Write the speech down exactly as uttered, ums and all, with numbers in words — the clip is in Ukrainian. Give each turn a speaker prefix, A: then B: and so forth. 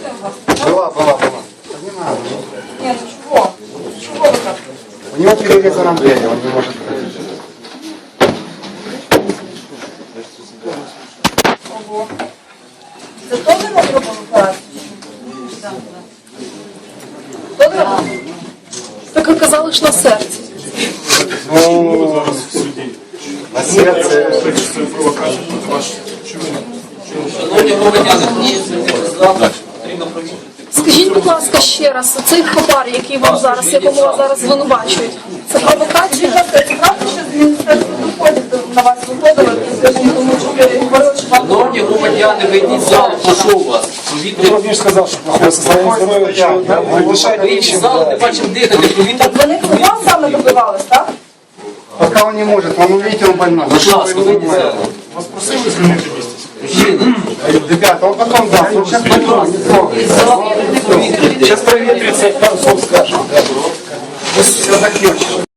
A: провокация у вас?
B: Была, была, была. Не надо.
A: Нет, ну чего? Чего вы так?
B: У него перерезано двери, он не может ходить.
A: Ого. Це теж не робив операцію? Хто не робив?
C: Так ви казали ж на серці.
B: Ну, на сердце.
D: Шановні громадяни, потрібно провірити.
C: Скажіть, будь ласка, ще раз, цей хабар, який вам зараз, якому вас зараз звинувачують, це провокація?
A: Це правда, що з Міністерства доходів на вас виходили кілька днів тому, що ви говорили, що вам...
D: Шановні громадяни, вийдіть з залу, прошу вас. Повітря.
E: Владимир сказал, что плохое состояние здоровья, что дышать
D: Вийдіть з
E: нечем.
D: залу, не бачимо дихати, повітря.
A: Так вони вас саме добивались, так?
B: Пока он не может, он увидите, он больной.
D: Будь ласка, вийдіть з залу.
E: Вас просили звільнити місце?
D: Мужчина,
B: Ребята, он потом даст, он сейчас больной, не трогай.
D: вийдіть з залу, повітря.
E: Сейчас проветрится, пару слов скажем.
B: Все закончилось.